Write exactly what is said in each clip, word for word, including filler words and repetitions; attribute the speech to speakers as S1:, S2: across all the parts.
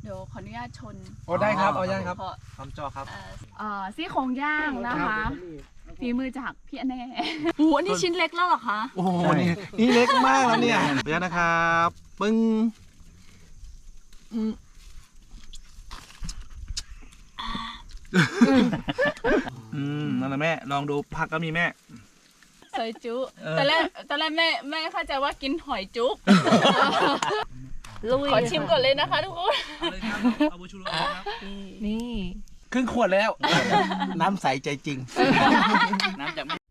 S1: ดี๋ยวขออนุญาตชน
S2: โอ้ได้ครับเอาย่างครับ
S1: ขอ
S2: ทำจอครับ
S1: เอ่อเอ่อซี่โครงย่างนะคะฝีมือจากพี่อแน่โอ้โหอันนี้ชิ้นเล็กแล้วเหรอคะ
S2: โอ้โหนี่นี่เล็กมากแล้วเนี่ยเดี๋ยวนะครับปึ้งอืมนั่นแหละแม่ลองดูผักก็มีแม่
S1: ซอยจุ
S2: เออ
S1: ตอนแรกตอนแรกแม่แม่เข้าใจว่ากินหอยจุ๊บขอชิมก่อนเลยนะคะทุกคน
S2: เอาเลยครับเอาบูชูโร่ครับ
S1: นี่
S2: ครึ่งขวดแล้ว น้ำใสใจจริงน้ำจากไม่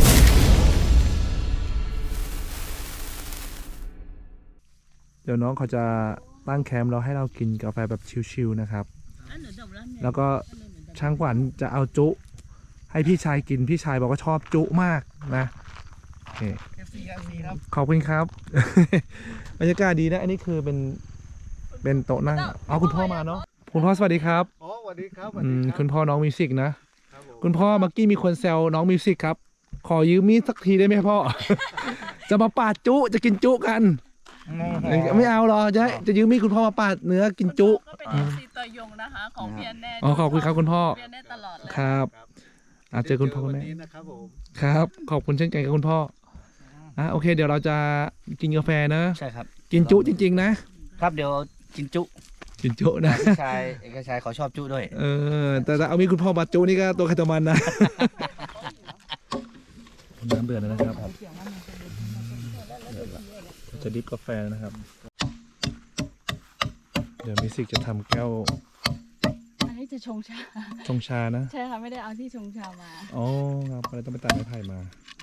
S2: เดี๋ยวน้องเขาจะตั้งแคมป์เราให้เรากินกาแฟแบบชิลๆนะครับแล้วก็ช่างขวัญจะเอาจุให้พี่ชายกินพี่ชายบอกว่าชอบจุมากนะโอเคขอบคุณครับ บรรยากาศดีนะอันนี้คือเป็นเป็นโต๊ะนั่งเอาคุณพ่อมาเนาะคุณพ่อสวัสดีครับ
S3: อ๋อสวัสดีครับ
S2: อืมคุณพ่อน้องมิวสิกนะ
S3: ครับผม
S2: คุณพ่อเมื่อกี้มีคนแซวน้องมิวสิกครับขอยืมมีดสักทีได้ไหมพ่อ จะมาปาดจุจะกินจุกันไม่เอาหรอจะจะยืมมีดคุณพ่อมาปาดเนื้อกินจุ
S1: ก็เป็นเอฟซีตัวยงนะคะของพี่อแน่
S2: อ๋อขอบคุณครับคุณพ่อ
S1: พี่อแน่ตลอดเลย
S2: ครับอาเจอคุณพ่อคุณแม่
S3: วันนี้นะครับผม
S2: ครับขอบคุณเช่นกันครับคุณพ่ออ่ะโอเค เดี๋ยวเราจะกินกาแฟนะ
S4: ใช่ครับ
S2: กินจุจริงๆนะครับ
S4: เดี๋ยวกินจุ
S2: กินจุนะ
S4: เอกชายเอกชายเขาชอบจุด้วย
S2: เออแต่ถ้าเอามีคุณพ่อมาจุนี่ก็ตัวใครตัวมันนะน้ำเดือดแล้วนะครับจะดิฟกาแฟนะครับเดี๋ยวมิวสิกจะทำแก้ว
S1: อันนี้จะชงชา
S2: ชงชานะ
S1: ใช่ค่ะไม่ได้เอาที่ชงชามา
S2: อ๋อครับก็เลยต้องไปตัดไม้ไผ่มา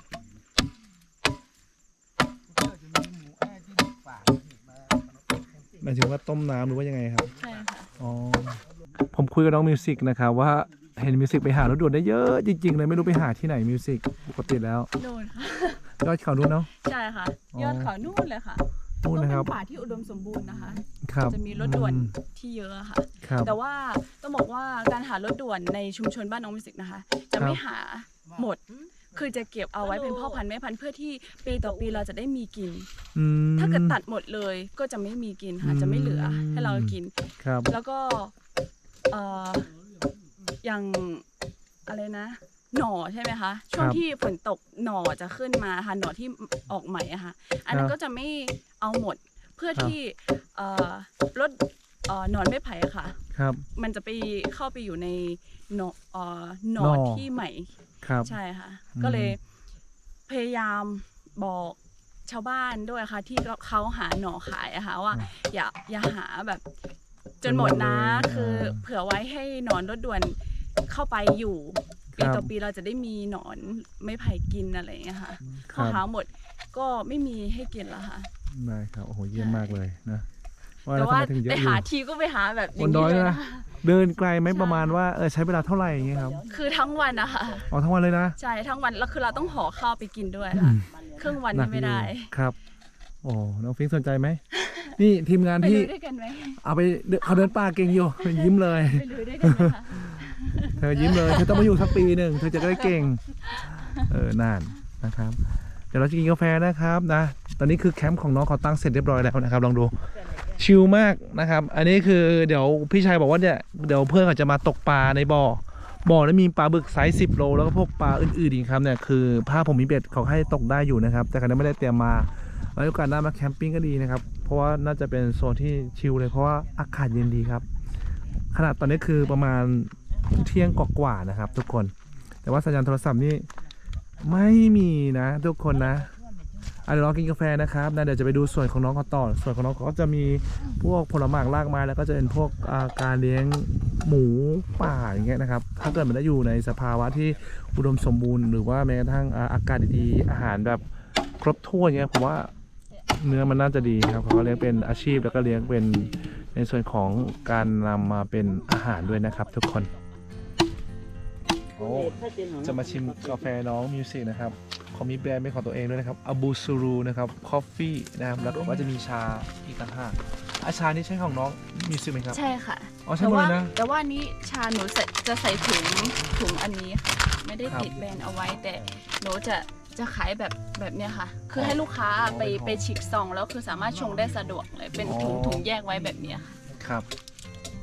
S2: หมายถึงว่าต้มน้ำหรือว่ายังไงครับ
S1: ใช่ค่ะ
S2: อ๋อผมคุยกับน้องมิวสิกนะครับว่าเห็นมิวสิกไปหารถด่วนได้เยอะจริงๆเลยไม่รู้ไปหาที่ไหนมิวสิกปกติแล้ว
S1: โดนค่ะ
S2: ยอดเขานู่นเนาะ
S1: ใช่ค่ะ
S2: อ๋อ
S1: ยอดเขานู่นเลยค่ะ
S2: นู่น
S1: ต้อง
S2: นะค
S1: เป็
S2: รับ
S1: นป่าที่อุดมสมบูรณ์นะคะ
S2: ครับ
S1: จะมีรถด่วน
S2: อืม
S1: ที่เยอะค่ะ
S2: ครับ
S1: แต่ว่าต้องบอกว่าการหารถด่วนในชุมชนบ้านน้องมิวสิกนะคะ จะไม่หาหมด คือจะเก็บเอาไว้เป็นพ่อพันธุ์แม่พันธุ์เพื่อที่ปีต่อปีเราจะได้มีกิน
S2: อืม
S1: ถ้าเกิดตัดหมดเลยก็จะไม่มีกินค่ะ จะไม่เหลือให้เรากิน
S2: ครับ
S1: แล้วก็เอ่ออย่างอะไรนะ หน่อใช่ไหมคะ ช่วงที่ฝนตกหน่อจะขึ้นมาค่ะหน่อที่ออกใหม่อะค่ะ อันนั้นก็จะไม่เอาหมดเพื่อที่เอ่อลดเอ่อหนอนไม้ไผ่อะค่ะ
S2: ครับ
S1: มันจะไปเข้าไปอยู่ในหนอเอ่อหน
S2: หน่
S1: อ
S2: อ
S1: ที่ใหม่
S2: ครับ
S1: ใช่ค่ะ
S2: อืม
S1: ก็เลยพยายามบอกชาวบ้านด้วยค่ะ ที่เขาหาหน่อขายอะค่ะว่า อย่าอย่าหาแบบจนหมดนะ คือเผื่อไว้ให้หนอนรถด่วนเข้าไปอยู่ปีต่อปีเราจะได้มีหนอนไม่ไผ่กินอะไรอย่างเงี้ยค่ะ
S2: ค
S1: พอ
S2: รับ
S1: หาหมดก็ไม่มีให้กินแล้วค่ะ
S2: ได้ครับโอ้โหเยี่ยมมากเลยนะว่า
S1: แต่
S2: แล้วทำ
S1: ว่า
S2: ไมถึงเย
S1: ไป
S2: อะอยู่
S1: หาทีก็ไปหาแบบอบ
S2: น
S1: ย่าง
S2: ด
S1: นี้
S2: อย
S1: เลย
S2: นะ
S1: นะ
S2: เดินไกลไหมประมาณว่าเออใช้เวลาเท่าไหร่อย่างเงี้ยครับ
S1: คือทั้งวันนะคะ
S2: อ๋อทั้งวันเลยนะ
S1: ใช่ทั้งวันแล้วคือเราต้องห่อข้าวไปกินด้วยค่ะครึ่งวัน
S2: หนั
S1: นี่
S2: ก
S1: ไม่ได้
S2: อยู่ครับโอ้น้องฟิงค์สนใจไหมนี่ทีมงาน
S1: ไป
S2: พี่
S1: ลุยด้วยกันไหม
S2: เอาไปเดินเขาเดินป่าเก่งอยู่ยิ้มเลย
S1: ไปลุยด้วยกันไหมคะ
S2: เธอยิ้มเลยเธอต้องมาอยู่สักปีหนึ่งเธอจะได้เก่งเออนานนะครับเดี๋ยวเราจะกินกาแฟนะครับนะตอนนี้คือแคมป์ของน้องเขาตั้งเสร็จเรียบร้อยแล้วนะครับลองดูชิลมากนะครับอันนี้คือเดี๋ยวพี่ชายบอกว่าเนี่ยเดี๋ยวเพื่อนเขาจะมาตกปลาในบ่อบ่อแล้วมีปลาบึกไซส์สิบโลแล้วก็พวกปลาอื่นๆอีกครับเนี่ยคือผ้าผมมีเบ็ดเขาให้ตกได้อยู่นะครับแต่ครั้นี้ไม่ได้เตรียมมาไว้โอกาสหน้ามาแคมปิ้งก็ดีนะครับเพราะว่าน่าจะเป็นโซนที่ชิลเลยเพราะว่าอากาศเย็นดีครับขนาดตอนนี้คือประมาณเที่ยงกว่าๆนะครับทุกคนแต่ว่าสัญญาณโทรศัพท์นี่ไม่มีนะทุกคนนะอ่ะเดี๋ยวรอกินกาแฟนะครับนะเดี๋ยวจะไปดูส่วนของน้องเขาต่อส่วนของน้องเขาก็จะมีพวกผลไม้รากไม้แล้วก็จะเป็นพวกอ่าการเลี้ยงหมูป่าอย่างเงี้ยนะครับถ้าเกิดมันได้อยู่ในสภาวะที่อุดมสมบูรณ์หรือว่าแม้กระทั่งอ่าอากาศดีๆอาหารแบบครบถ้วนเงี้ยผมว่าเนื้อมันน่าจะดีครับเขาก็เลี้ยงเป็นอาชีพแล้วก็เลี้ยงเป็นในส่วนของการนำมาเป็นอาหารด้วยนะครับทุกคนโอ้จะมาชิมกาแฟน้องมิวสิกนะครับเขามีแบรนด์เป็นของตัวเองด้วยนะครับอาบูซูรูนะครับคอฟฟี่นะครับแล้วก็จะมีชาอีกต่างหากอาชานี่ใช่ของน้องมิวสิกไหมครับ
S1: ใช่ค่ะ
S2: อ๋อใช่
S1: แต่
S2: หมด
S1: ว่า
S2: เลยนะ
S1: แต่ว่านี้ชาหนูใส่จะใส่ถุงถุงอันนี้ค่ะไม่ได้
S2: ครับ
S1: ติดแบรนด์เอาไว้ แต่หนูจะจะขายแบบแบบเนี้ยค่ะ คือให้ลูกค้าไป
S2: เป็นของ
S1: ไปฉีกซองแล้วคือสามารถชงได้สะดวกเลยเป็นถุง
S2: อ๋อ
S1: ถุงแยกไว้แบบเนี้ยค่ะ
S2: ครับ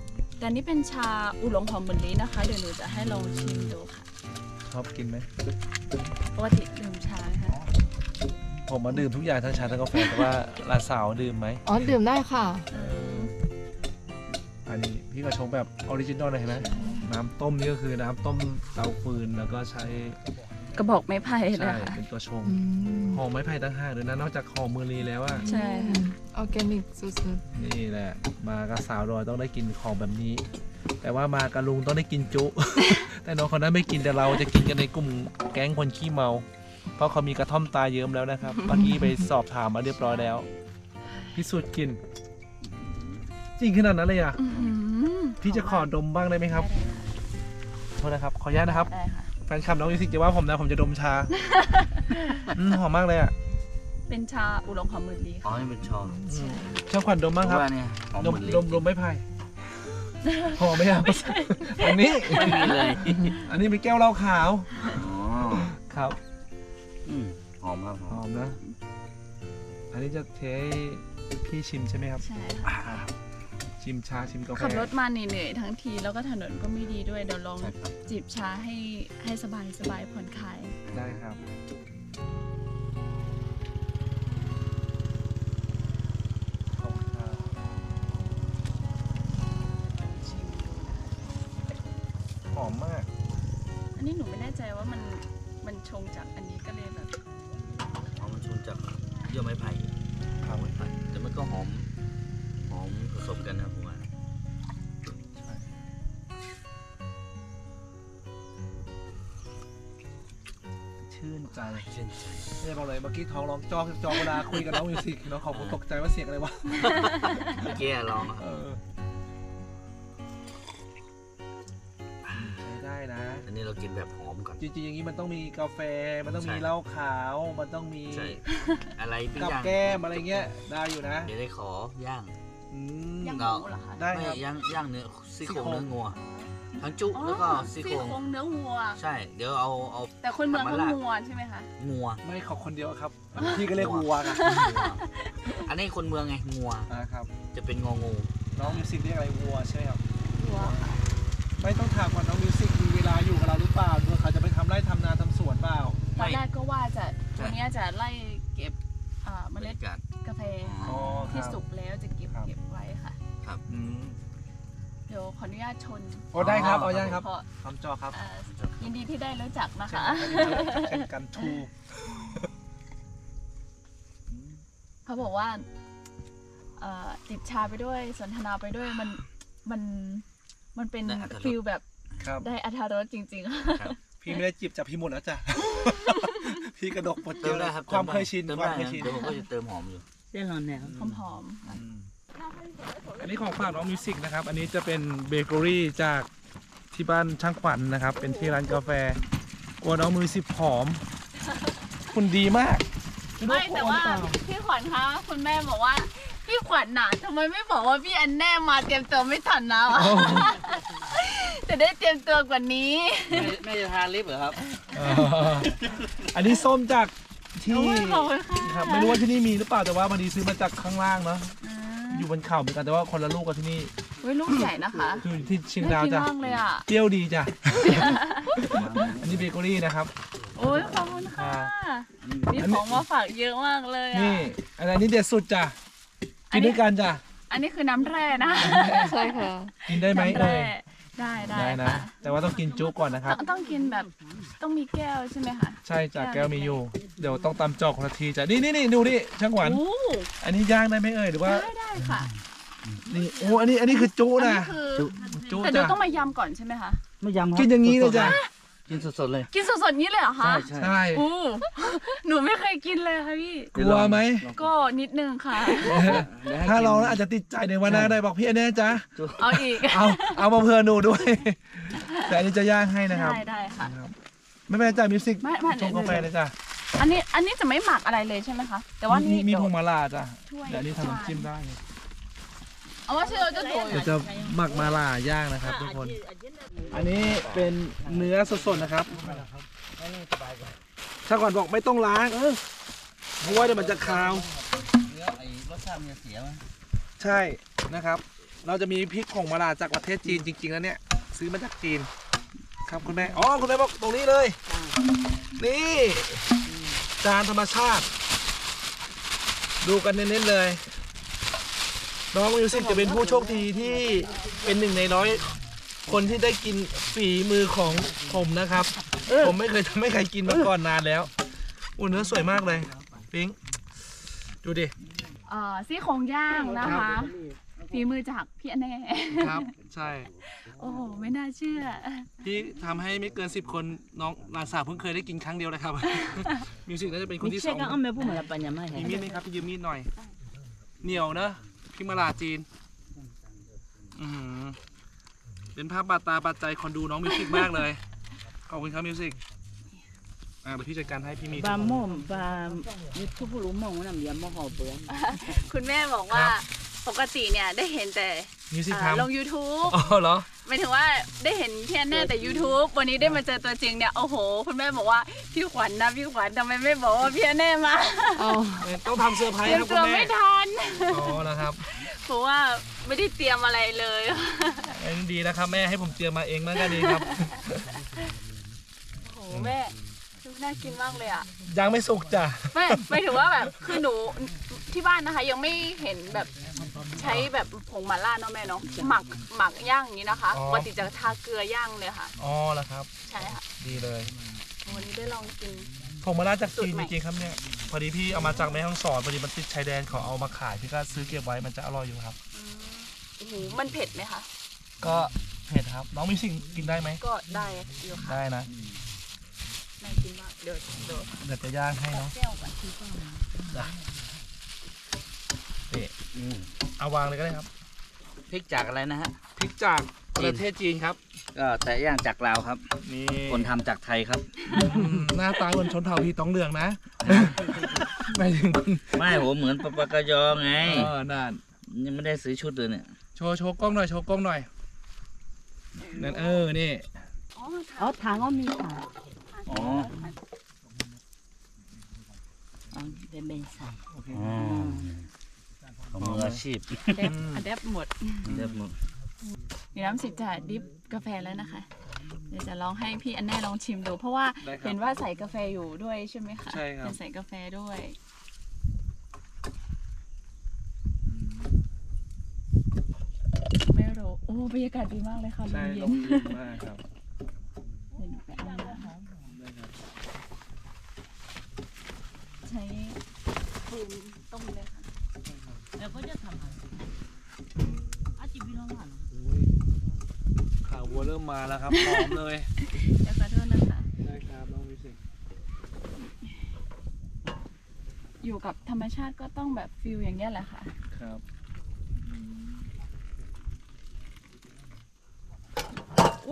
S1: แต่นี่เป็นชาอุหลงหอมเหมือนนี้นะคะ เดี๋ยวหนูจะให้ลองชิมดูค่ะ
S2: ชอบกินไหม
S1: ปกติดื่มชาค่ะ
S2: ผมมาดื่มทุกอย่างทั้งชาทั้งกาแฟแต่ว่าหลานสาวดื่มไหม
S3: อ๋อดื่มได้ค่ะ
S2: อันนี้พี่ก็ชงแบบออริจินอลเลยเห็นไหมน้ำต้มนี่ก็คือน้ำต้มเตาฟืนแล้วก็ใช้
S1: กระบอกไม้ไผ่เลย
S2: ใช่
S1: ค่ะ
S2: เป็นตัวชง
S3: อืม
S2: หอมไม้ไผ่ตั้งห้าด้วยนะนอกจากหอมมือรีแล้วอะ
S1: ใช่ค่ะ
S3: ออร์แกนิกสุด
S2: นี่แหละมากับสาวดอยต้องได้กินของแบบนี้ แต่ว่ามากับลุงต้องได้กินจุ แต่น้องคนนั้นไม่กินแต่เราจะกินกันในกลุ่มแก๊งคนขี้เมา เพราะเขามีกระท่อมตาเยิ้มแล้วนะครับ เมื่อกี้ไปสอบถามมาเรียบร้อยแล้ว พิสูจน์กลิน จริงขนาดนั้นเลยอ่ะ
S1: อื้อหือ
S2: พี่จะขอดมบ้างได้ไหมครับโทษนะครับ ขออนุญาตนะครับ
S1: ได้ค่ะ
S2: แฟนคลับน้องมิวสิกจะว่าผมนะผมจะดมชา อืมหอมมากเลยอ่ะ
S1: เป็นชาอุหลงหอมเหมือนนี้
S4: อ๋อ
S1: ค่ะ
S4: นี่เป็นชอง
S2: อืมช่างขวัญดมบ้างครับ
S4: ว่าเนี่ยหอม
S2: ดม
S4: เหมือนลิ้
S2: ดมดมไม่ไผ่หอมไหมครับอันนี้
S4: ไม่มีเลย
S2: อันนี้เป็นแก้วเหล้าขาว
S4: อ๋อ
S2: ครับ
S4: อืมหอมครับห
S2: ห
S4: อ
S2: อ
S4: ม
S2: มนะ อันนี้จะเทให้พี่ชิมใช่ไหมครับ
S1: ใช่ค่ะ
S2: ครับชิมชาชิมกาแฟ
S1: ขับรถมาเหนื่อยๆทั้งทีแล้วก็ถนนก็ไม่ดีด้วยเดี๋ยวลอง
S4: ใช่ครับ
S1: จิบชาให้ให้สบายสบายผ่อนคลาย
S2: ได้ครับขอบคุณครับ
S1: ชิมดูนะคะ
S2: หอมมาก
S1: อันนี้หนูไม่แน่ใจว่ามันมันชงจากอันนี้ก็เลยแบบ
S4: หอมมันชุนจากเยื่อไม้ไผ่
S2: ครับ
S4: ไม้ไผ่แต่มันก็หอม หอมผสมกันนะผมว่า
S2: ชื่นใจ
S4: เช่นใจ
S2: ไม่ได้บอกเลยเมื่อกี้ท้องร้องจอกจอกเวลาคุยกับน้องมิวสิกน้องขอบคุณตกใจว่าเสียงอะไรวะ
S4: เมื่อกี้ลอง
S2: เออใช้ได้นะ
S4: อันนี้เรากินแบบหอมก่อน
S2: จริงๆอย่างนี้มันต้องมีกาแฟ มันต้องมี
S4: ใช่
S2: เหล้าขาว มันต้องมี
S4: ใช่ อะไรปิ้ง
S2: กับ
S4: ย่าง
S2: แก้มอะไรเงี้ย ได้อยู่นะ
S4: เดี๋ยวได้ขอย่าง
S2: อืม
S1: ย่างห
S4: เรา
S1: มูเหรอคะ
S2: ได้
S4: ไม่
S2: ครับ
S4: ย่างย่างเนื้อซี่โครง
S2: ซี่โครง
S4: เนื้องัว ทั้งจุ
S1: อ๋อ
S4: แล้วก็ซี่โครง
S1: เนื้อวัว
S4: ใช่ เดี๋ยวเอาเอา
S1: แต่คนเมืองเขา
S4: ทำมาลาบ
S1: งัวใช่ไหมคะ
S4: งัว
S2: ไม่ขอคนเดียวครับ พี่ก็เรียกวัวกัน
S4: อันนี้คนเมืองไงงัว
S2: นะครับ
S4: จะเป็นงองู
S2: น้องมิวสิกเรียกอะไรวัวใช่ไหมครับ
S1: วัวค่ะ
S2: ไม่ต้องถามก่อนน้องมิวสิกมีเวลาอยู่กับเราหรือเปล่าดูเขาจะไปทำไร่ทำนาทำสวนเปล่า
S1: ตอนแรกก็ว่าจะ
S4: ใช่
S1: วันนี้จะไล่เก็บอ่าเม
S4: บร
S1: ล็
S4: ร
S1: ด
S4: ยากาศ
S1: กาแฟ
S2: อ๋อค
S1: ที่
S2: รับ
S1: สุกแล้วจะเก็บ
S2: ครับ
S1: เก็บไว้ค่ะ
S2: อืม
S1: เดี๋ยวขออนุญาตชน
S2: โอ้ได้ครับ เอาย่างครับ
S1: เพราะ
S2: ทำจอครับ
S1: อ่ายินดีที่ได้รู้จักนะ
S2: เช่น
S1: คะ
S2: เช่นกันทู
S1: เขาบอกว่าเอ่อจิบชาไปด้วยสนทนาไปด้วยมันมันมันเป็น
S4: ได้อรรถรส
S1: ฟิลแบบ
S2: ครับ
S1: ได้อรรถรสจริงๆค่ะ
S4: ครับ
S2: พี่ไม่ได้จีบจับพี่หมดแล้วจ้ะ พี่กระดกหมดเย
S4: เติม
S2: อะ
S4: ได้ครับ
S2: ความเคยชิน
S4: เติม
S2: ควา
S4: ได้
S2: มเคย
S4: นะ
S2: ชิน
S4: เดี๋ยวผมก็จะเติมหอมอยู่
S1: หอมๆ
S2: อืมอันนี้ของฝากน้องมิวสิกนะครับ อันนี้จะเป็นเบเกอรี่จากที่บ้านช่างขวัญนะครับ เป็นที่ร้านกาแฟกลัวน้องมิวสิกผอม คุณดีมาก
S1: ไม่แต่ว่าพี่ขวัญคะคุณแม่บอกว่าพี่ขวัญหนาทำไมไม่บอกว่าพี่อันแน่มาเตรียมตัวไม่ทันนะ
S2: โอ้
S1: จะได้เตรียมตัวกว่านี้
S4: แม่จะทานลิปเหรอครับ
S2: เอออันนี้ส้มจากที่
S1: โอ้ยขอบคุณค่ะ
S2: ครับไม่รู้ว่าที่นี่มีหรือเปล่าแต่ว่าบางทีซื้อมาจากข้างล่างเนาะ
S1: อ่า
S2: อยู่บนเขาเหมือนกันแต่ว่าคนละลูกกับที่นี่
S1: เว้ยลูกใหญ่นะคะ
S2: อยู่ที่เชียง
S1: น่า
S2: ดาว
S1: กิน
S2: จ้ะ
S1: มากเลยอ่ะ
S2: เปรี้ยวดีจ้ะ อันนี้เบเกอรี่นะครับ
S1: โอ้ยขอบคุณค่ะมีของมาฝากเยอะมากเลยอ่ะ
S2: นี่อันนี้เด็ดสุดจ้ะ
S1: อั
S2: กิ
S1: น
S2: น
S1: นี้
S2: ด้วยกันจ้ะ
S1: อันนี้คือน้ำแร่นะ
S3: ใช่ค่ะ
S2: กินได้ไหม
S1: น้ำ
S2: เอ่
S1: แร่
S2: ย
S1: ได้ได้
S2: ได้นะ
S1: ค่ะ
S2: แต่ว่าต้องกินจุก่อนนะครับ
S1: ต้องต้องกินแบบต้องมีแก้วใช่ไหมคะ
S2: ใช่จ้ะแก้วมีอยู่ เดี๋ยวต้องตำจอกคนละทีจ้ะนี่นี่นี่ดูนี่ช่างหวาน
S1: โอ้
S2: อันนี้ย่างได้ไหมเอ่ยหรือว่า
S1: ได้ได้ค่ะ
S2: นี่โอ้อันนี้อันนี้คือจุ
S1: อัน
S2: นะ
S1: นี้คือ
S2: จุ
S1: แต่เดี๋ยว
S2: จ้ะ
S1: ต้องมายำก่อนใช่ไหมคะ
S4: ไม่ยำครับ
S2: กินอย่างนี้เลยจ้ะ
S4: กินสดๆเลย
S1: กินสดๆนี้เลยเหรอคะ
S4: ใช่ใช่
S2: ใช่
S1: อู้หนูไม่เคยกินเลยค่ะพี่
S2: กลัวไหม
S1: ก็นิดนึงค่ะ
S2: ถ้าลองแล้วอาจจะติดใจในวันหน้าได้บอกพี่อันนี้จ้ะ
S1: เอาอีก
S2: เอาเอามาเพื่อหนูด้วย แต่อันนี้จะย่างให้นะครับ
S1: ได้ได้ค่ะ
S2: นะครับ ไม่เป็นไรจ้ะมิวสิก
S1: ไม่ไม่
S2: ชงกาแฟเลยจ้ะ
S1: อันนี้อันนี้จะไม่หมักอะไรเลยใช่ไหมคะ แต่ว่า
S2: มี
S1: นี่
S2: มี
S1: เดี๋ยว
S2: พวงมาลาจ้ะ
S1: ช่วย
S2: เดี๋ยวอันนี้ทำน้ำจิ้มได้
S1: เอาว่าชื่อเราจะตัว
S2: เดี๋ยวจะหมักมาลาย่างนะครับทุกคน อันนี้เป็นเนื้อสดๆนะครับถ้าก่อนบอกไม่ต้องล้างเออเพราะว่าเดี๋ยวมันจะคาว
S4: เนื้อไอ้รสชาติมันจะเสียไหม
S2: ใช่นะครับเราจะมีพริกผงมะลาจากประเทศจีนจริงๆแล้วเนี่ยซื้อมาจากจีนครับคุณแม่อ๋อคุณแม่บอกตรงนี้เลยนี่จานธรรมชาติ ดูกันเน้นๆเลย น้องมิวสิกจะเป็นผู้โชคดีที่เป็นหนึ่งในร้อยคนที่ได้กินฝีมือของผมนะครับ ผมไม่เคยทำให้ใครกินมาก่อนนานแล้วอุ้ยเนื้อสวยมากเลยปิ๊งดูดิ
S1: เอ่อซี่โครงย่างนะคะฝีมือจากพี่แน่
S2: ครับ ใช่
S1: โอ้โหไม่น่าเชื่อ
S2: พี่ทำให้ไม่เกินสิบคนน้องหลานสาวเพิ่งเคยได้กินครั้งเดียวเลยครับ มิวสิกน่าจะเป็นคนที่สองมีมีดไหมครับพี่ยืมมีดหน่อย เหนียวเนอะพี่มาลาจีนอือหือเป็นภาพบาดตาบาดใจคนดูน้องมิวสิกมากเลยขอบคุณครับมิวสิกอ่าเดี๋ยวพี่จัดการให้พี่มี
S5: ba mồm ba YouTube lú mồm nó nằm giờ mồm hộp bữa
S1: คุณแม่บอกว่าปกติเนี่ยได้เห็นแต่
S2: มิวสิก
S1: อ่า
S2: ทำ
S1: ลง YouTube
S2: อ๋อเหรอ
S1: หมายถึงว่าได้เห็นพี่แอนแน่แต่ YouTube วันนี้ได้มาเจอตัวจริงเนี่ยโอ้โห คุณแม่บอกว่าพี่ขวัญนะพี่ขวัญทำไมไม่บอกว่าพี่แอนแน่มา
S3: เอา
S2: ต้องทำเซอร์ไพร
S1: เต
S2: ส์
S1: รีย
S2: ค
S1: ม
S2: รับคุ
S1: ตัว
S2: ณแม่
S1: ไม่ทัน
S2: อ๋อนะครับ
S1: เพราะว่าไม่ได้เตรียมอะไรเลย
S2: อันนี้ดีนะครับแม่ให้ผมเตรียมมาเองมันก็ดีครับ
S1: โอ้โหแม่ดูน่ากินมากเลยอ่ะ
S2: ยังไม่สุกจ้ะ
S1: ไม่ไม่ถือว่าแบบคือหนูที่บ้านนะคะ ยังไม่เห็นแบบใช้แบบผงหม่าล่าเนาะแม่เนาะหมักหมักย่างอย่างนี้นะคะ
S2: อ๋อ
S1: ปกติจะทาเกลือย่างเลยค่ะ
S2: อ๋อแล้วครับ
S1: ใช่ค่ะ
S2: ดีเลย
S1: วันนี้ได้ลองกิน
S2: ผมมาลาจากจีน
S1: สูตรใหม่
S2: จริงๆครับเนี่ยพอดีพี่เอามาจากแม่ฮ่องสอนพอดีมันติดชายแดนเขาเอามาขายพี่ก็ซื้อเก็บไว้มันจะอร่อยอยู่ครับ
S1: อืมโอ้โหมันเผ็ดไหมคะ
S2: ก็เผ็ดครับน้องมีสิ่งกินได้ไหม
S1: ก็ได้อยู่ค่ะ
S2: ได้นะ
S1: น่ากินมากเดี๋ยวเดี๋ยว
S2: เดี๋ยวจะย่างให้เนาะ
S1: แก้วก่อนทีก่อน
S2: ได้นี่เอาวางเลยก็ได้ครับ
S4: พริกจากอะไรนะฮะ
S2: พริกจากประเทศจีนครับ
S4: ก็แต่ย่างจากลาวครับ
S2: นี่
S4: คนทำจากไทยครับ
S2: อืมหน้าตาเหมือนชนเผ่าพี่ต้องเหลืองนะ ไม่ถึงคุณ
S4: ไม่โหเหมือนปะปะกะยอไง
S2: เออนั่น
S4: ยังไม่ได้ซื้อชุดเลยเนี่ย
S2: โชว์โชว์กล้องหน่อยโชว์กล้องหน่อยนั่นเออนี่
S1: อ๋อ
S5: ở thằng có mi thằng
S4: อ๋อ
S5: ở bên bên sài
S4: อ๋อของมืออาชีพ
S1: เดฟอะเดฟหมด
S4: เรียบหมด
S1: เดี๋ยวน้ำสิบจะดิฟกาแฟแล้วนะคะ เดี๋ยวจะลองให้พี่อันแน่ลองชิมดู เพราะว่า
S2: ได้ครับ
S1: เห็นว่าใส่กาแฟอยู่ด้วยใช่ไหมคะ
S2: ใช่ครับ
S1: เป็นใส่กาแฟด้วย ไม่รู้โอ้บรรยากาศดีมากเลยค่ะล
S2: ใช่
S1: มเย็
S2: ล
S1: น
S2: งทุนมากครับ
S1: เดี๋ยวหนูไปเอานะคะ
S2: ได้ครับ
S1: ใช้ฟืนต้มเลยค่ะ
S5: rồi có chất thằng à chị biết không hả
S2: อุ้ยข่าววัวเริ่มมาแล้วครับพร้อมเลย
S1: เดี๋ยวขอโทษนะคะ
S2: ได้ครับน้องมิวสิก
S1: อยู่กับธรรมชาติก็ต้องแบบฟิลอย่างเงี้ยแหละค่ะ
S2: ครับ โอ้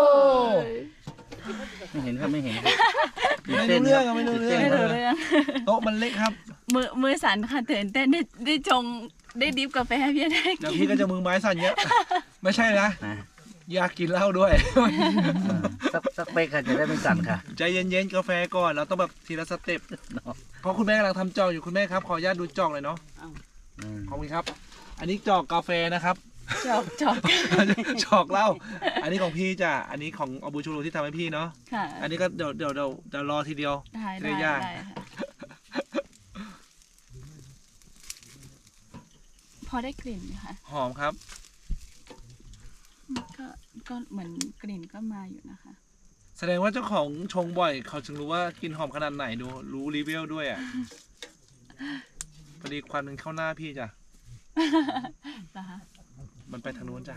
S4: ไม่เห็นครับไม่เห็นครับ
S2: ไม่รู้เรื่องอะไม่รู้เรื่อง
S1: ไม่รู้เรื่อง
S2: โต๊ะมันเล็กครับ
S1: มือมือสั่นค่ะตื่นเต้นได้ได้ชงได้ดิฟกาแฟให้พี่ได้
S2: เดี๋ยวพี่ก็จะมือไม้สั่นเยอะ ไม่ใช่นะ
S4: นะ
S2: อยากกินเหล้าด้วย
S4: สักสักเป๊กค่ะจะได้ไม่สั่นค่ะ
S2: ใจเย็นๆกาแฟก่อน เราต้องแบบทีละสเต็ป
S4: เนาะ
S2: เพราะคุณแม่กำลังทำจอกอยู่คุณแม่ครับ ขออนุญาตดูจอกเลยเนาะ
S4: อืม
S2: ขอบคุณครับ อันนี้จอกกาแฟนะครับ
S1: จอกจอก
S2: จอกเหล้า อันนี้ของพี่จ้ะ อันนี้ของอบูชูรูที่ทำให้พี่เนาะ
S1: ค่ะ
S2: อันนี้ก็เดี๋ยวเดี๋ยวเดี๋ยวเดี๋ยวรอทีเดียว
S1: ได้
S2: จะ
S1: ได้
S2: ได้ย่าง
S1: ได้ค่ะพอได้กลิ่นไหมคะ
S2: หอมครับ
S1: ก็ก็เหมือนกลิ่นก็มาอยู่นะคะ
S2: แสดงว่าเจ้าของชงบ่อย เขาจึงรู้ว่ากินหอมขนาดไหนดู รู้รีวิวด้วยอ่ะ พอดีควันมันเข้าหน้าพี่จ้ะ
S1: นะคะ
S2: มันไปทางนู้นจ้ะ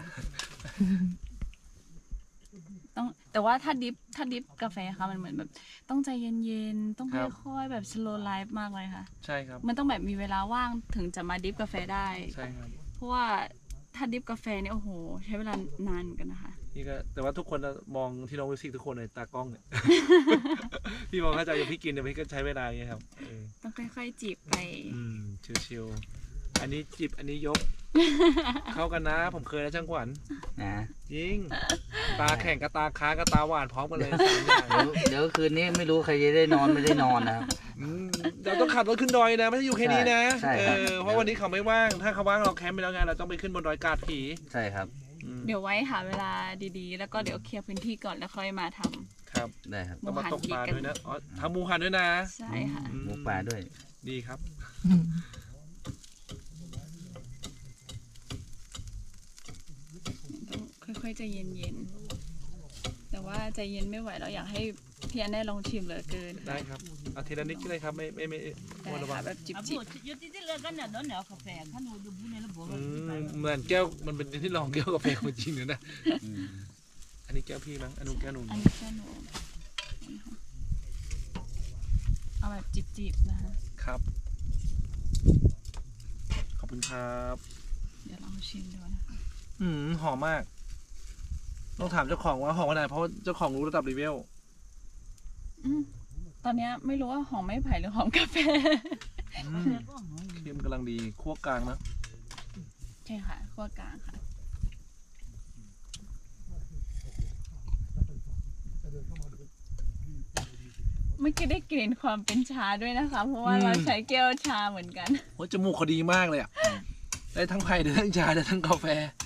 S1: ต้องแต่ว่าถ้าดิฟถ้าดิฟกาแฟค่ะมันเหมือนแบบ ต้องใจเย็นๆต้อง
S2: ครับ
S1: ค่อยๆแบบ slow life มากเลยค่ะ
S2: ใช่ครับ
S1: มันต้องแบบมีเวลาว่างถึงจะมาดิฟกาแฟได้
S2: ใช่ครับ
S1: เพราะว่าถ้าดิฟกาแฟเนี่ยโอ้โห ใช้เวลานานเหมือนกันนะคะ
S2: พี่ก็แต่ว่าทุกคนจะมองที่น้องมิวสิกทุกคนเลยตากล้องเนี่ย พี่มองเข้าใจอย่างพี่กินเนี่ยพี่ก็ใช้เวลาอย่างเงี้ยครับเออ
S1: ต้องค่อยๆจีบไป
S2: อืมชิวๆอันนี้จิบอันนี้ยกเข้ากันนะ ผมเคยนะช่างขวัญ
S4: นะ
S2: จริง ตาแข่งกับตาค้างกับตาหวานพร้อมกันเลยสามอย่าง
S4: เดี๋ยวเดี๋ยวคืนนี้ไม่รู้ใครจะได้นอนไม่ได้นอนนะครับ
S2: อืมเราต้องขับรถขึ้นดอยนะ ไม่ใช่อยู่แค่นี้นะ
S4: ใช่
S2: เอ
S4: ครับ
S2: อเพราะวันนี้เขาไม่ว่าง ถ้าเขาว่างเราแคมป์ไปแล้วไงเราต้องไปขึ้นบนดอยกาดผี
S4: ใช่ครับ
S2: อืม
S1: เดี๋ยวไว้หาเวลาดีๆ แล้วก็เดี๋ยวเคลียร์พื้นที่ก่อนแล้วค่อยมาทำ
S2: ครับ
S4: ได้ครับ
S2: ต้องมาตกปลาด้วยนะอ๋อทำหมูหันด้วยนะ
S1: ใช่ค่ะ
S2: อื
S4: หมูป่าด้วย
S2: ดีครับ
S1: ต้องค่อยๆใจเย็นๆ แต่ว่าใจเย็นไม่ไหวเราอยากให้พี่อันได้ลองชิมเหลือเกิน
S2: ได้ครับเอาทีละนิดก็ได้ครับ ไม่ไม่ไม่
S1: ได้
S2: ไม่ระวั
S1: ค่ะ
S2: ง
S1: แบบจิบ
S5: อา
S1: จิ
S5: บบ อยู่ที่ที่เลือกกันเนี่ยโดนเหนียวกาแฟขันดูดูบุญในระบบ
S2: อืมเหมือนแก้วมันเป็นที่รองแก้วกาแฟของจริงเลยนะ
S4: อืม
S2: อันนี้แก้วพี่มั้งอันนู้นแก้วหนู
S1: อันนี้แค่หนูเอาแบบจิบๆนะคะ
S2: ครับ ขอบคุณครับ
S1: เดี๋ยวลองชิมดูนะคะ
S2: อืมหอมมาก ต้องถามเจ้าของว่าหอมขนาดไหนเพราะเจ้าของรู้ระดับรีเวล
S1: อืมตอนเนี้ยไม่รู้ว่าหอมไม้ไผ่หรือหอมกาแฟ
S2: อืมเค็มกำลังดีคั่วกลางนะ
S1: ใช่ค่ะขั้วกลางค่ะ เมื่อกี้ได้กลิ่นความเป็นชาด้วยนะคะ เพราะว่าเราใช้แก้วชาเหมือนกัน
S2: โอ้ยจมูกเขาดีมากเลยอ่ะ ได้ทั้งไผ่ได้ทั้งชาได้ทั้งกาแฟ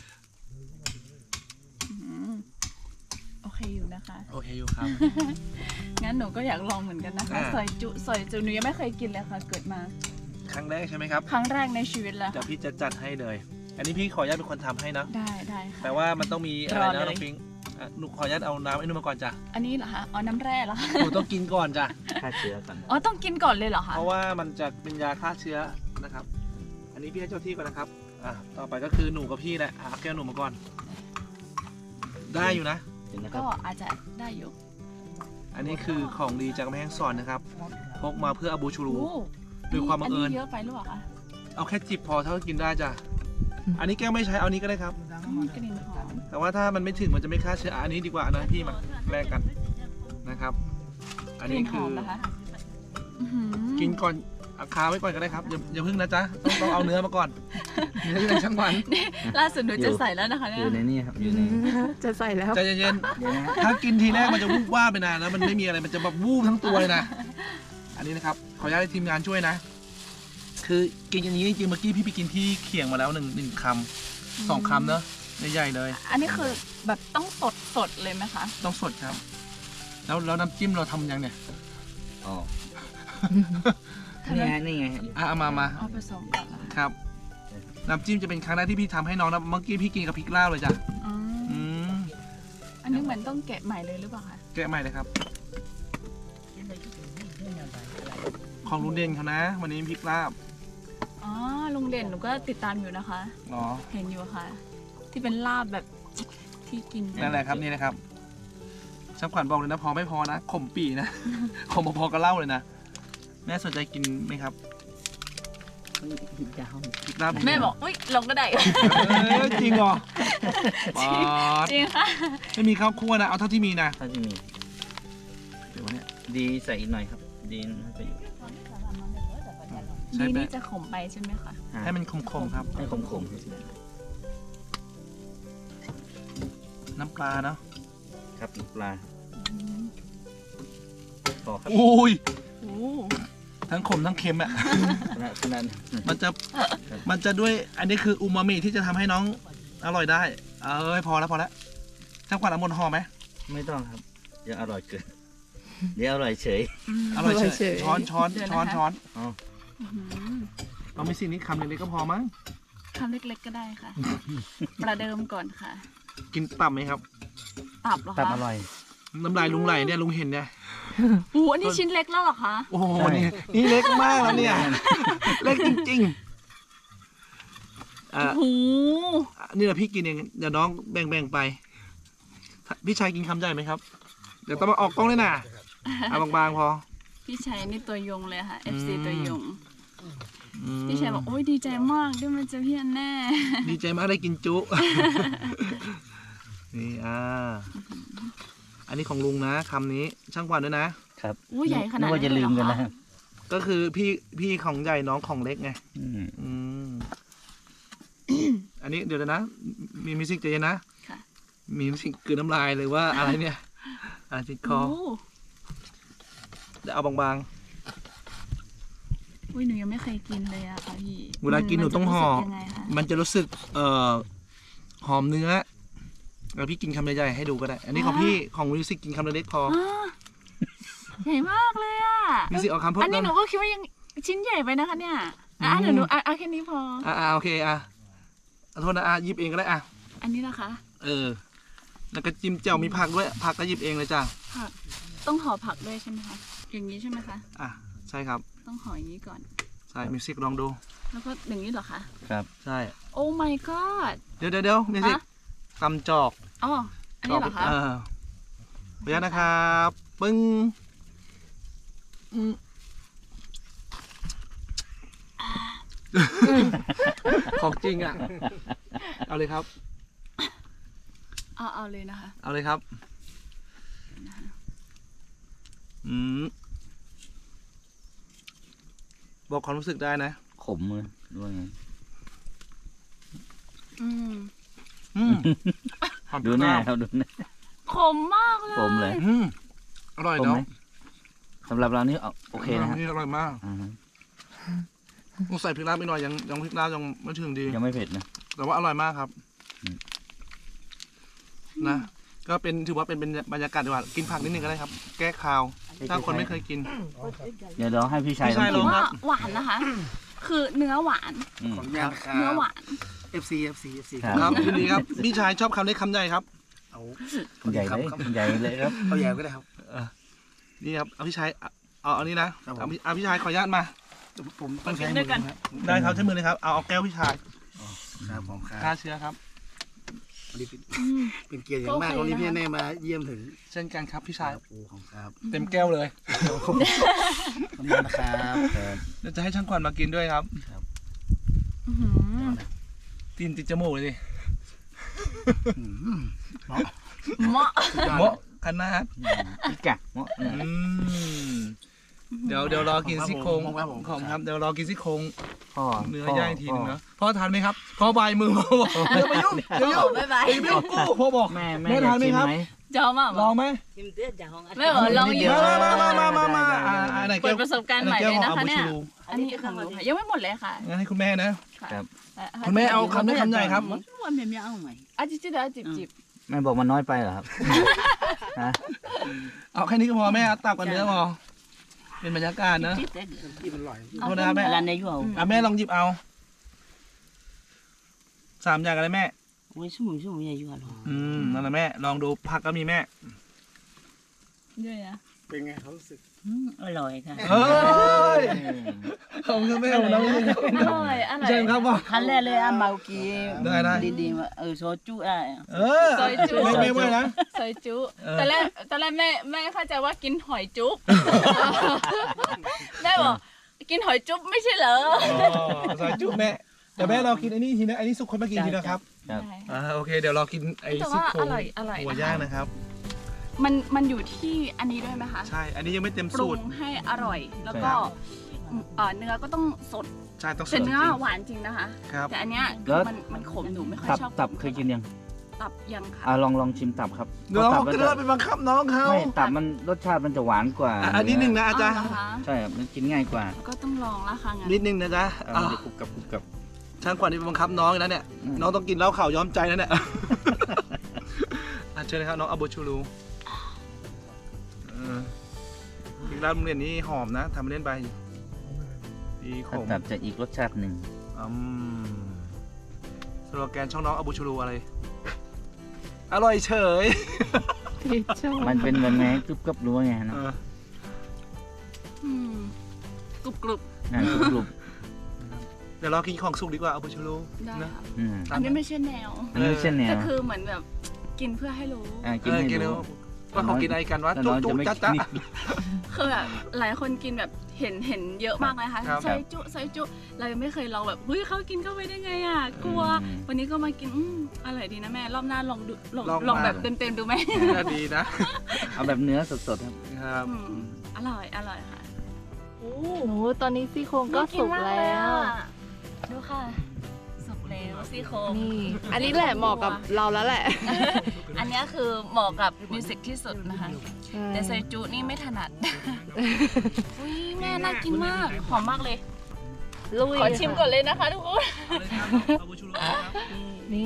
S1: อืมโอเคอยู่นะคะ
S2: โอเคอยู่ครับ
S1: งั้นหนูก็อยากลองเหมือนกันนะคะ
S2: อ่า
S1: ซอยจุซอยจุหนูยังไม่เคยกินเลยค่ะ เกิดมา
S2: ครั้งแรกใช่ไหมครับ
S1: ครั้งแรกในชีวิตแล้ว
S2: เดี๋ยว
S1: ค่ะ
S2: พี่จะจัดให้เลย อันนี้พี่ขออนุญาตเป็นคนทำให้นะ
S1: ได้ได้ค่ะ
S2: แต่ว่ามันต้องมีอะไร
S1: รอ
S2: นะ
S1: เลย
S2: น้องปิงอ่ะหนูขออนุญาตเอาน้ำไอ้นู่นมาก่อนจ้ะ
S1: อันนี้เหรอคะอ๋อน้ำแร่เหรอคะ
S2: หนูต้องกินก่อนจ้ะ
S4: ฆ่าเชื้อก่อน
S1: อ๋อต้องกินก่อนเลยเหรอคะ
S2: เพราะว่ามันจะเป็นยาฆ่าเชื้อนะครับ อันนี้พี่ให้เจ้าที่ก่อนนะครับ อ่ะต่อไปก็คือหนูกับพี่แหละอ่ะเอาแก้วหนูมาก่อน ได้อยู่นะ
S4: เห็นนะครั
S1: ก็
S4: บ
S1: อาจจะได้อยู่
S2: อันนี้คือของดีจากกำแพงสอนนะครับ พกมาเพื่ออาบูชูรู
S1: โอ้
S2: ด้วยความบังเอิญ
S1: นนี้เยอะไปหรือเปล่าคะ
S2: เอาแค่จิบพอเท่าที่กินได้จ้ะ อันนี้แก้วไม่ใช้เอานี้ก็ได้ครับ
S1: อืมกลิ่นหอม
S2: แต่ว่าถ้ามันไม่ถึงมันจะไม่ฆ่าเชื้ออ่ะอันนี้ดีกว่านะพี่มาแลกกันนะครับ อัน
S1: ก
S2: นี้
S1: ลิ่นห
S2: คือ
S1: อมนะคะอื้อหือ
S2: กินก่อนเอาคาไว้ก่อนก็ได้ครับอย่าอย่าพึ่งนะจ๊ะต้องต้องเอาเนื้อมาก่อนเนื้อที่เป็นช่างหวาน
S1: ล่าสุดหนูจะใส่แล้วนะคะ
S4: อ
S1: เนี่ย
S4: ยู่ในนี่ครับ อยู่ใน
S3: จะใส่แล้ว
S2: ใจเย็น
S4: เดี๋ยวนะ
S2: ๆถ้ากินทีแรกมันจะวูบว่าบไปนานแล้วมันไม่มีอะไรมันจะแบบวูบทั้งตัวเลยนะ อันนี้นะครับขออนุญาตให้ทีมงานช่วยนะ คือกินอย่างนี้จริงๆเมื่อกี้พี่ไปกินที่เขียงมาแล้วหนึ่งหนึ่งคำสองคำเนอะใหญ่ๆเลย
S1: อันนี้คือแบบต้องสดสดๆเลยไหมคะ
S2: ต้องสดครับ แล้วแล้วน้ำจิ้มเราทำยังเนี่ย
S4: อ๋อ นี่ไง นี่ไง
S2: อ่ะเอามามา
S1: เอาผสมก่อนละ
S2: ครับ น้ำจิ้มจะเป็นครั้งแรกที่พี่ทำให้น้องนะเมื่อกี้พี่กินกับพริกลาบเลยจ้ะ
S1: อืม
S2: อืม
S1: อันนี้เหมือนต้องแกะใหม่เลยหรือเปล่าคะ
S2: แกะใหม่เลยครับ ของลุงเด่นเขานะ วันนี้พริกลาบ
S1: อ๋อลุงเด่นหนูก็ติดตามอยู่นะคะ
S2: เนาะ
S1: เห็นอยู่ค่ะ ที่เป็นลาบแบบที่กิน
S2: นั่นแหละครับนี่นะครับช่างขวัญบอกเลยนะพอไม่พอนะขมปีนะ ขมพอๆกับเหล้าเลยนะแม่สนใจกินไหมครับพริกลาบ
S1: แม่บอกอุ้ยลงก็ได้
S2: เอ้ยจริงเหรอป๊าด
S1: จริงค่ะ
S2: ไม่มีข้าวคั่วนะเอาเท่าที่มีนะ
S4: ถ้าที่มี
S2: เดี๋ยววันเนี้ย
S4: ดีใส่อีกหน่อยครับ ดีน่าจะอยู่
S2: ใช่
S1: ดี
S2: ไหม
S1: นี่จะขมไปใช่ไหมคะ
S2: ให้มันคมๆครับ
S4: ให้ขม
S2: น้ำปลาเนาะ
S4: ๆครับปลาพอครับ
S2: อุ้ย
S1: โอ้
S2: ทั้งขมทั้งเค็มอ่ะ
S4: ขนาดขนาด
S2: มันจะมันจะด้วยอันนี้คืออูมามิที่จะทำให้น้องอร่อยได้ เอ้ยพอแล้วพอแล้วช่างขวัญเอาหมดห่อไหม
S4: ไม่ต้องครับ เดี๋ยวอร่อยเกิน เดี๋ยวอร่อยเฉย
S2: อร่อย
S3: อร่อย
S2: เฉ
S3: เฉ
S2: ย
S3: ย
S2: ช้อนช้อนช้อนช้อน
S4: อ๋อ
S1: อื้อหือ
S2: เราไม่สิ่งนี้คำเล็กๆก็พอมั้ง
S1: คำเล็กๆก็ได้ค่ะ ประเดิมก่อนค่ะ
S2: กินตับไหมครับ
S1: ตับเหรอ
S4: ตับ
S1: คะ
S4: อร่อย
S2: น้ำลายลุงไหลเนี่ยลุงเห็นเนี่ย
S1: โอ้อันนี้ชิ้นเล็กแล้วเหรอคะ
S2: โอ้โห
S4: ใช่
S2: นี่นี่เล็กมากแล้วเนี่ย เล็กจริงๆอ่ะ
S1: โอ้โห
S2: นี่แหละพี่กินเองเดี๋ยวน้องแบ่งๆไป พี่ชายกินคำใหญ่ไหมครับ เดี๋ยวต้องมาออกกล้องเลยนะเอาบางๆพอ
S1: พี่ชัยนี่ตัวยงเลยค่ะ เอฟ ซี
S2: อืม
S1: ตัวยง
S2: อืม
S1: พี่ชัยบอกโอ้ยดีใจมากได้มาเจอพี่อันแน่
S2: ดีใจมากได้กินจุ นี่อ่า อันนี้ของลุงนะคำนี้ช่างขวัญด้วยนะ
S4: ครับ
S1: อู้ใหญ่ขนาด
S4: นึกว่าจะลืมกันนะ
S2: ก็คือพี่พี่ของใหญ่น้องของเล็กไง
S4: อืม
S2: อืมนนี้เดี๋ยวนะ มีมิวสิกใจเย็นนะ
S1: ค่ะ
S2: มีมิวสิกกลืนน้ำลายหรือว่าอะไรเนี่ยอะไรติดคอ
S1: โอ้
S2: เดี๋ยวเอาบาง
S1: อุ้ยหนูยังไม่เคยกินเลยอะค่ะพี่
S2: ๆเวลากินหนูต้องห่อ
S1: มันจะรู้สึกยังไงคะ
S2: มันจะรู้สึกเอ่อหอมเนื้อแล้วพี่กินคำใหญ่ๆให้ดูก็ได้ อันนี้ของพี่ของมิวสิกกินคำเล็กๆพอ
S1: อ่าใหญ่มากเลยอะ
S2: มิวสิกเอาคำเพิ่ม
S1: อันนี้
S2: เติม
S1: หนูก็คิดว่ายังชิ้นใหญ่ไปนะคะเนี่ยอ่ะ
S2: อืม
S1: เดี๋ยวหนูอ่ะเอาแค่นี้พอ
S2: อ่าโอเคอ่ะขอโทษนะอ่ะหยิบเองก็ได้อ่ะ
S1: อันนี้นะคะ
S2: เออ แล้วก็จิ้มแจ่วมีผักด้วย ผักก็หยิบเองเลยจ้ะ
S1: ผักต้องห่อผักด้วยใช่ไหมคะ อย่างนี้ใช่ไหมคะ
S2: อ่ะ ใช่ครับ
S1: ต้องห่ออย่างนี้ก่อน
S2: ใช่ มิวสิกลองดู
S1: แล้วก็อย่างนี้เหรอคะ
S4: ครับ
S2: ใช่
S1: โอ้ my god
S2: เดี๋ยวเดี๋ยวเดี๋ยวมิวสิก
S1: ฮะ
S2: ตำจอก
S1: อ๋อ อันนี้เหรอคะ
S2: เออขออนุญาตนะครับ ปึ้งอืมของจริงอ่ะ เอาเลยครับ
S1: เอาเอาเลยนะคะ
S2: เอาเลยครับ อืม บอกความรู้สึกได้นะ
S4: ขมเลยด้วยไง
S1: อืม
S2: อืมหอม
S4: ดูหน้า
S2: ข้ว
S4: ครับดูหน้า
S1: ขมมากเลย
S4: ขมเลย
S2: อืมอร่อย
S4: ขม
S2: เนาะ
S4: ไหมสำหรับเรานี่เอาโอเคนะครับ
S2: นี่อร่อยมาก
S4: อ่าฮะ
S2: ต้องใส่พริกลาบไปหน่อยยังยังพริกลาบยังไม่ถึงดี
S4: ยังไม่เผ็ดนะ
S2: แต่ว่าอร่อยมากครับ
S4: อืม
S2: นะ ก็เป็นถือว่าเป็นเป็นบรรยากาศดีกว่ากินผักนิดนึงก็ได้ครับ แก้คาว ถ้าคนไม่เคยกิน
S4: เดี๋ยวเราให้พี่ชาย
S2: พี่ชาย
S4: ลอง
S2: ล
S4: กิ
S2: อง
S4: น
S2: ครับ
S1: ว่าหวานนะคะ คือเนื้อหวาน
S4: อืม
S6: ขออนุญาตนะครั
S1: เนื้อบ หวาน
S6: เอฟซี เอฟซี เอฟซี
S4: ครับ
S2: ครับยินดีครับ พี่ชายชอบคำเล็กคำใหญ่ครับ
S6: เอา
S4: ใหญ่เลยใหญ่เลยครับ
S6: เอาแยมก็ได้ครับ
S2: นี่ครับ เอาพี่ชาย เอาเอาอันนี้นะครับ
S6: ผม
S2: เอาพี่เอาพี่ชายขออนุญาตมา
S6: ผมต้องใช้มือนะครับ
S2: ได้ครับใช้มือเลยครับ เอาเอาแก้วพี่ชาย
S6: ครับผมค
S2: ฆ่า
S6: รับ
S2: เชื้อครับ
S6: วันนี้เป็นเป็นเกียรติอย่างมาก
S1: โอเค
S6: วันนี้พี่
S1: นะคะ
S6: แน่มาเยี่ยมถึง
S2: เช่นกันครับพี่ชาย
S6: โอ้ของครับ
S2: เต็มแก้วเลย
S6: ขอบคุณมากนะครับ
S2: เดี๋ยวจะให้ช่างควันมากินด้วยครับ
S1: อื้อหือ
S2: ตีนติดจมูกเลยดิ
S6: อืม
S1: เหมาะ
S2: เหมาะขนาด
S4: พี่กะเหมาะ
S2: อืมเดี๋ยวเดี๋ยวรอกินซี่โครง
S6: ครับผม
S2: ของครับ เดี๋ยวรอกินซี่โครง
S4: พ่อ
S2: เนื้อ
S4: พ่
S2: ย่างอีกทีหนึงนะพ่อทานไหมครับพ่อบายมือพ่อบอกอย่าไปยุ่งอย่ายุ่ง
S1: บ๊ายบาย
S2: อย่าไปยุ่งกูพ่อบอก
S4: แม่แม่
S2: แม่
S4: อยา
S2: ทาก นไหม
S4: ชิม
S2: ครับ
S4: ไหม
S1: จอมอ่ะ
S2: ลองไหม
S5: Kim tiết chả không ăn.
S1: ไม่เหรอลอง
S4: นิด
S1: อ
S4: เดี
S1: ยู่
S4: ยว
S2: มามามามามาอ่าอ่าไหน
S1: เปิ
S2: แก้
S1: ด
S2: ว
S1: ประสบการณ์ใหม่
S2: แก้
S1: เล
S2: วย ของ
S1: นะ
S2: อา
S1: คะ
S2: บู
S1: เนี่
S2: ชู
S1: ย
S2: รู
S1: อันนี้ของหนูค่ะยังไม่หมดเลยค่ะ
S2: งั้นให้คุณแม่นะ
S4: ครับ
S1: อ่ะ
S2: คุณแม่เอาคำเล็กคำใหญ่ครับ
S5: Chú ăn mềm nhão không mày?
S1: อ่ะจิบจิบเดี๋ยวจิบจิบ
S4: แม่บอกมันน้อยไปเหรอครับฮะ
S2: เอาแค่นี้ก็พอแม่เอาตับกับเนื้อพอเป็นบรรยากาศนะ
S5: Chết đấy.
S6: ที่มันอร่อย
S2: โทษนะครับแม่
S5: Là này chú hầu.
S2: อ่ะแม่ลองหยิบเอาสามอย่างอะไรแม่
S5: Ôi chú mừng chú mừng nhà chú hầu.
S2: อืมนั่นแหละแม่ลองดูผักก็มีแม่
S1: ด้วยนะ
S6: เป็นไงเขารู้สึก
S5: Ừ, ôi cả.
S2: เฮ้ยขอบคุณแม่ของเราเลยครับ
S1: อร่อยอร่อย
S2: เชิญครับพ่อ
S5: Hắn lê lê ăn màu kia.
S2: Đây, đây.
S5: Đi đi mà ở số chú à.
S2: เออ
S1: ซอยจุ๊
S2: ไม่ไม่ไม่นะ
S1: ซอยจุ
S2: เออ
S1: ตอนแรกตอนแรกแม่แม่เข้าใจว่ากินหอยจุ๊บ แม่บอกกินหอยจุ๊บไม่ใช่เหรอ
S2: อ๋อซอยจุ๊บแม่แต่แม่เรากินไอ้นี่ทีนะไอ้นี่สุกคนมากินทีนะครับ
S4: ครับ
S1: ได้
S2: อ่าโอเคเดี๋ยวเรากินไอ้
S1: แต่
S2: ซี่
S1: ว่า
S2: โคร
S1: อง ร่อยอร่อย
S2: หัว
S1: นะคะ
S2: ย่างนะครับ
S1: มันมันอยู่ที่อันนี้ด้วยไหมคะ
S2: ใช่ อันนี้ยังไม่เต็ม
S1: ปรุ
S2: สู
S1: ง
S2: ตร
S1: ให้อร่อย แล้วก็เอ่อเนื้อก็ต้องสด
S2: ใช่ต้องส
S1: แต่
S2: ด
S1: เนื้อ
S2: จริง
S1: หวานจริงนะคะ
S2: ครับ
S1: แต่อันเนี้ย
S4: แล้ว
S1: มันมันขมหนูไม่ค่อย
S4: ตับ
S1: ชอบ
S4: ตับเคยกินยัง
S1: ตับยังค่ะ
S4: อ่ะลองลองชิมตับครับ
S2: เดี๋ยวเรา
S4: ตับ
S2: ก็
S4: มัน
S2: เดิ
S4: จะ
S2: นไปบังคับน้องเขา
S4: ไม่ตับมันรสชาติมันจะหวานกว่า
S2: อ่ะอันนี้หนึ่งนะอาจารย์
S1: อ๋อเหรอคะ
S4: ใช่ครับมันกินง่ายกว่า
S1: ก็ต้องลองละค่ะงั้น
S2: นิดนึงนะจ๊ะ
S4: เอา
S2: อ่ะ
S4: มันจะกรุบกรับกรุบกรับ
S2: ช่างขวัญนี่ไปบังคับน้องอีกแล้วเนี่ย
S4: อืม
S2: น้องต้องกินเหล้าข่าวย้อมใจนะเนี่ย อ่ะเชิญเลยครับน้องอาบูชูรูเอออีกร้านโรงเรียนนี้หอมนะทำเล่นไปดีข
S4: ถ้าม ตับจะอีกรสชาติหนึ่ง
S2: อืมสโลแกนช่องน้องอาบูชูรูอะไร อร่อยเฉย
S4: มันเป็นแบบไงกรุบกรับรู้ว่าไง
S2: เอ
S4: เนาะ
S2: อ
S1: อืมกรุบกรุบ
S4: อ่ากรุบกรุบ
S2: เดี๋ยวเรากินของสุกดีกว่าอาบูชูรู
S1: ได้
S2: นะ
S1: ค่ะ
S4: อืม
S1: อันนี้ไม่ใช่แนว
S4: อันนี้เช่นแน
S1: แต่
S4: ว
S1: คือเหมือนแบบกินเพื่อให้รู้
S4: อ่า
S2: เอ
S4: กิน
S2: อ
S4: ให้
S2: กิน
S4: ดู
S2: แล้วว่าเขากินอะไรกันวะ
S4: แต่
S2: จุ๊
S4: น้อง
S2: จุ๊
S4: จะไม่
S2: จ๊ะ
S4: กิ
S2: จ๊ะ
S4: น
S1: คือแบบหลายคนกินแบบเห็นเห็นเยอะมากเลยนะคะ
S2: ครับ
S1: ซอยจุซอยจุเรายังไม่เคยลองแบบเฮ้ยเขากินเข้าไปได้ไงอ่ะกลัว
S4: อืม
S1: วันนี้ก็มากินอืมอร่อยดีนะแม่รอบหน้าลองดูลอง
S2: ลอง
S1: ลอง
S2: มา
S1: แบบเต็มๆดูไหม
S2: น่าดีนะ
S4: เอาแบบเนื้อสดๆครับ
S2: ครับ
S1: อืมอร่อยอร่อยค่ะ
S3: หนูตอนนี้ซี่โครงก็สุกแล้ว
S1: ดูค่ะ สุกแล้ซี่โครง
S3: นี่ อันนี้แหละเหมาะกับเราแล้วแหละ
S1: อันเนี้ยคือเหมาะกับมิวสิกที่สุดนะคะ
S3: ใช่
S1: แต่ซอยจุนี่ไม่ถนัด อุ้ยแม่น่ากินมาก หอมมากเลย
S3: ลุย
S1: ขอชิมก่อนเลยนะคะทุกคน
S3: นี่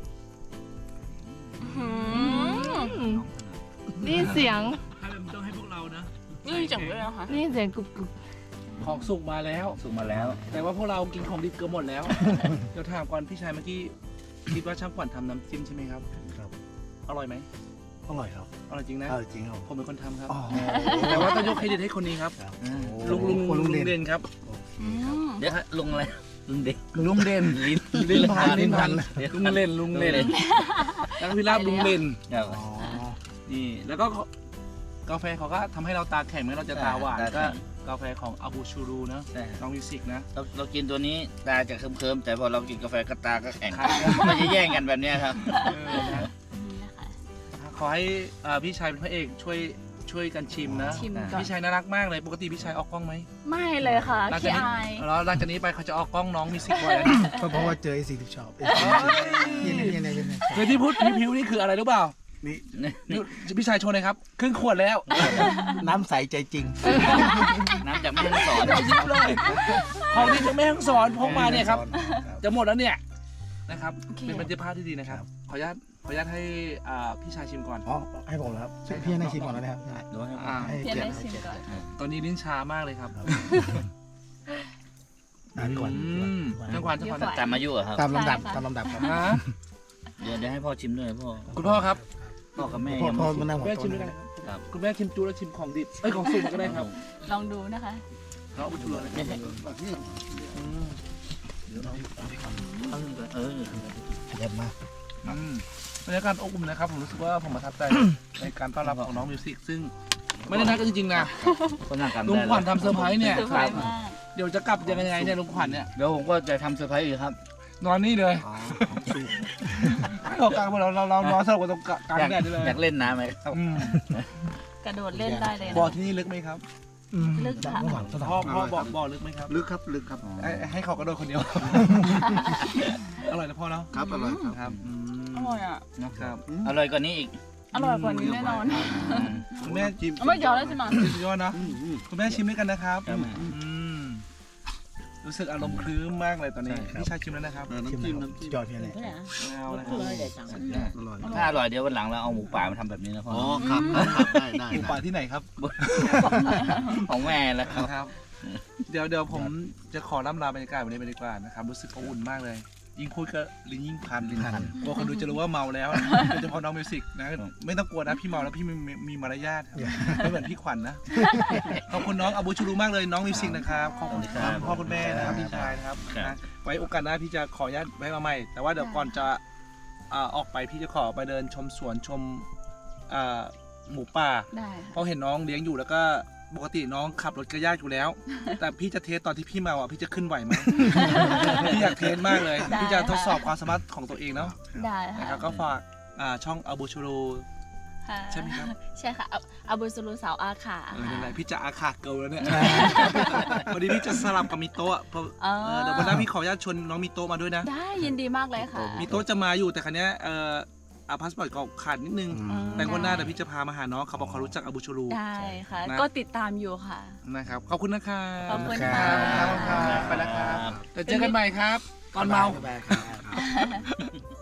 S1: อืม
S3: นี่เสียง
S2: ให้มันต้องให้พวกเรานะ
S1: นี่จังเลยนะคะ
S3: นี่เสียงกรุบกรุบ
S2: ของสุกมาแล้ว
S4: สุกมาแล้ว
S2: แต่ว่าพวกเรากินของดิบเกือบหมดแล้ว เดี๋ยวถามก่อนพี่ชายเมื่อกี้คิดว่าช่างขวัญทำน้ำจิ้มใช่ไหมครับ
S6: ครับ
S2: อร่อยไหม
S6: อร่อยครับ
S2: อร่อยจริงนะ
S6: เออจริงครับ
S2: ผมเป็นคนทำครับ
S6: อ๋อ
S2: แต่ว่าต้องยกเครดิตให้คนนี้ครับ
S6: ครับ
S2: ลุงลุง
S6: โอ้
S2: ลุง
S6: ลุงเด่น
S2: เด่นครับ
S1: อืม
S4: เดี๋ยวฮะลุงอะไรลุงเด็ก
S2: ลุงเด่น
S4: ลิ้น
S2: ลิ้นพันลิ้นพัน
S4: เดี๋ยว
S2: ลุงเล่นลุงเล่นแล้วก็พี่ลาบลุงเล่น
S4: ครับ
S6: อ๋อ
S2: นี่แล้วก็กาแฟเขาก็ทำให้เราตาแข็งไม่งั้นเราจะตาหวาน
S4: ตาแข็ง
S2: ก็กาแฟของอาบูชูรูนะ
S4: ใช่
S2: น้องมิวสิกนะ
S4: เราเรากินตัวนี้ตาจะเคิมๆแต่พอเรากินกาแฟก็ตาก็แข็ง
S2: ครับ
S4: มันจะแย่งกันแบบเนี้ยครับ
S2: เออนะ
S1: นี่นะคะ
S2: ขอให้อ่าพี่ชายเป็นพระเอกช่วยช่วยกันชิมนะ
S1: ชิมก่อน
S2: พี่ชายน่ารักมากเลยปกติพี่ชายออกกล้องไหม
S1: ไม่เลยค่ะ
S2: หลังจา
S1: ขี้
S2: กนี้
S1: อาย
S2: แล้วหลังจากนี้ไปเขาจะออกกล้องน้องมิวสิกบ่อยแล้วนะ
S6: เพราะเพราะว่าเจอไอ้สิ่งที่ชอบนี่นี่นี่นี่นี่
S2: เคยที่พูดพิวๆนี่คืออะไรรู้เปล่า
S6: นี่
S2: นี่พี่ชายโชว์เลยครับครึ่งขวดแล้ว
S6: น้ำใสใจจริง
S4: น้ำจากแม่ฮ่องสอน
S2: ยิ้มเลยของที่จะแม่ห้องสอนพกมาเนี่ยครับ จะหมดแล้วเนี่ยนะครับ
S1: โอเค
S2: เป็นบรรยากาศที่ดีนะครับ ขออนุญาตขออนุญาตให้อ่าพี่ชายชิมก่อน
S6: อ๋อให้ผมแล้วครับพี่ให้ชิมก่อนแล้วนะครับ
S4: ดูให้
S2: อ่า
S6: ให้
S1: เพียน
S6: เกียร
S1: ได้
S6: ติ
S1: ชิมก่อน
S2: ตอนนี้ลิ้นชามากเลยครับ
S6: อ่านก่อน
S2: อืมจังหวะจังหวะ
S4: ตามอายุอะครับ
S6: ตามลำดับ
S1: ใช่ค่ะ
S6: ตามลำดับครับ
S2: ฮะ
S4: เดี๋ยวเดี๋ยวให้พ่อชิมด้วยพ่อ
S2: คุณพ่อครับ
S4: พ่อกับแม่
S6: พ่อ
S4: ยัง
S6: พ่อ
S4: ไม่ชิ
S6: มาม นั่งหัว
S2: แม่
S6: โต๊ะ
S2: ชิมด้วย
S6: นะ
S2: กัน
S4: ครับ
S2: คุณแม่ชิมจูแล้วชิมของดิบเอ้ยของสุกก็ได้ครับ
S1: ลองดูนะคะ
S2: เราเอาไปชูเลย
S4: ไม่ใช่
S2: อืม
S4: เออ
S6: เยี่ยมมาก
S2: อืมบรรยากาศอบอุ่นนะครับผมรู้สึกว่าผมประทับใจ ในการต้อนรับของน้องมิวสิกซึ่งไม่ได้นัดกันจริงๆนะ
S4: ก็นั่งกัน
S2: ลุง
S4: ได้
S2: ขวัญทำเซอร์ไพรส์เนี่ย
S1: เซอร์ไพรส์มาก
S2: เดี๋ยวจะกลับยังไงเนี่ยลุงขวัญเนี่ย
S4: เดี๋ยวผมก็จะทำเซอร์ไพรส์อีกครับ
S2: นอนนี่เลยเรากลางเราเราเรานอนสลบกันตรงกลาง
S4: อยาก
S2: แดดนี่เลย
S4: อยากเล่นน้ำไหมครับ
S2: อืม
S1: กระโดดเล่นได้เลยนะ
S2: บ่อที่นี่ลึกไหมครับ
S1: ลึกค่ะ
S6: หวังสถาน
S2: พ่อพ่อบอกบ่อลึกไหมครับ
S6: ลึกครับลึกครับ
S2: ให้ให้เขากระโดดคนเดียว อร่อยนะพ่อเนาะ
S6: ครับอร่อยครับ
S2: ครับอืม
S1: อร่อยอ่ะ
S2: ครับ
S4: อร่อยกว่านี้อีก
S1: อร่อยกว่านี้แน่นอน
S2: คุณแม่ชิม
S1: ไม่ยอมแล้วใช่ไหม
S2: สุดยอดนะคุณแม่ชิมด้วยกันนะครับ
S4: ครับ
S2: อืมรู้สึกอารมณ์คลื้มมากเลยตอนนี้
S6: ใช่ครับ
S2: พี่ชายชิมแล้วนะครับ
S6: น้ำจิ้มน้ำจิ้มยอดเพียงเลย
S2: เอาละค
S5: คื
S2: รับ
S5: ออะไรจัง
S6: อร่อย
S4: ถ้าอร่อยเดี๋ยววันหลังเราเอาหมูป่ามาทำแบบนี้นะพ่อ
S6: อ๋อครับครับได้ได้
S2: หมูป่าที่ไหนครับ
S4: ของแม่แล้วครับ
S2: นะครับ เดี๋ยวเดี๋ยวผมจะขอล่ำลาบรรยากาศวันนี้ไปดีกว่านะครับ รู้สึกอบอุ่นมากเลย ยิ่งพูดก็ลิ้นยิ่งพันลิ้นพันกลัวคนดูจะรู้ว่าเมาแล้วโดยเฉพาะน้องมิวสิกนะ ไม่ต้องกลัวนะพี่เมาแล้วพี่มีมีมีมารยาทครับไม่เหมือนพี่ขวัญนะ ขอบคุณน้องอาบูชูรูมากเลยน้องมิวสิกนะครับ ขอบคุณครับพ่อคุณแม่นะครับพี่ชายนะครับนะไว้โอกาสหน้าพี่จะขออนุญาตไว้มาใหม่ แต่ว่าเดี๋ยวก่อนจะอ่าออกไปพี่จะขอไปเดินชมสวนชมอ่าหมูป่า
S1: ได้
S2: เพราะเห็นน้องเลี้ยงอยู่แล้วก็ปกติน้องขับรถก็ยากอยู่แล้ว แต่พี่จะเทสตอนที่พี่เมาอ่ะพี่จะขึ้นไหวไหม พี่อยากเทสมากเลย พี่จะทดสอบความสามารถของตัวเองเนาะ
S1: ได้
S2: นะ
S1: ค่ะ
S2: ครับก็ฝากอ่าช่องอาบูชูรู
S1: ค่ะ
S2: ใช่ไหมครับ
S1: ใช่ค่ะอาอาบุสุรุสาวอาขา
S2: เออนั่นแหละพี่จะอาขาเกิลแล้วเนี่ยพอดีพี่จะสลับกับมิโตะอะเพราะ
S1: อ๋อ
S2: เออเดี๋ยววันหน้าพี่ขออนุญาตชวนน้องมิโตะมาด้วยนะ
S1: ได้ยินดีมากเลยค่ะ
S2: มิโตะจะมาอยู่แต่คันนี้ยเอ่ออาพาสปอร์ตก็ขาดนิดนึง
S1: อืม
S2: แต่วันหน้าเดี๋ยวพี่จะพามาหาน้องเขาบอกเขารู้จักอาบูชูรู
S1: ได้ค่ะ
S2: นะ
S1: ก็ติดตามอยู่ค่ะ
S2: นะครับขอบคุณนะครับ
S1: ขอบคุณ
S2: ค
S1: ค่ะ
S2: รับครับไปแล้วครับเดี๋ยวเจอกันใหม่ครับ ตอนเมา
S6: บ๊ยบยครับ